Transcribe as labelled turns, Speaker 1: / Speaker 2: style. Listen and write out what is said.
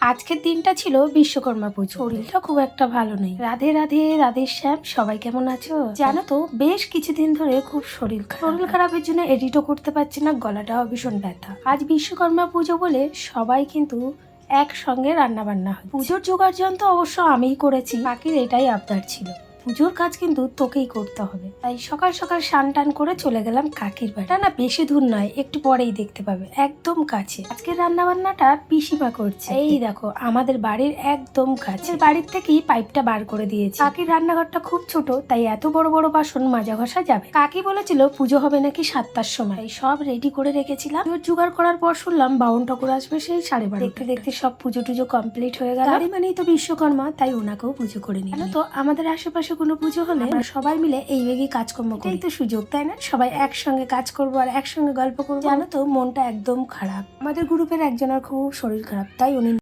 Speaker 1: আজকের দিনটা ছিল বিশ্বকর্মা পুজো। শরীরটা খুব একটা ভালো নেই। রাধে রাধে রাধে শ্যাম, সবাই কেমন আছো? জানো তো বেশ কিছুদিন ধরে খুব শরীর খারাপের জন্য এডিটও করতে পারছি না, গলাটাও ভীষণ ব্যথা। আজ বিশ্বকর্মা পুজো বলে সবাই কিন্তু একসঙ্গে রান্না বান্না হয়। পুজোর জোগাড় যন্ত্র অবশ্য আমিই করেছি, বাকির এটাই আবদার ছিল। পুজোর কাজ কিন্তু তোকেই করতে হবে, তাই সকাল সকাল স্নান টান করে চলে গেলাম কাকির বাড়ি। না বেশি দূর নয়, একটু পরেই দেখতে পাবে, একদম কাছে। আজকের রান্না বান্নাটা পিসিমা করছে। এই দেখো আমাদের বাড়ির একদম কাছে, বাড়ির থেকেই পাইপটা বার করে দিয়েছে। কাকির রান্নাঘরটা খুব ছোট, তাই এত বড় বড় বাসন মাজা ঘষা যাবে। কাকি বলেছিল পুজো হবে নাকি 7টার সময়, সব রেডি করে রেখেছিলাম। জোগাড় করার পর শুনলাম বাউন ঠাকুর আসবে সেই 12:30। দেখতে দেখতে সব পুজো টুজো কমপ্লিট হয়ে গেল। তারই মানেই তো বিশ্বকর্মা, তাই ওনাকেও পুজো করে নিল। তো আমাদের আশেপাশে কোনো পুজো হলে আমরা সবাই মিলে এই বেগই কাজকর্ম করি। এই তো সুযোগ, তাই না? সবাই একসঙ্গে কাজ করবো আর একসঙ্গে গল্প করবো। জানো তো মনটা একদম খারাপ। আমাদের গ্রুপের একজনের খুব শরীর খারাপ, তাই উনি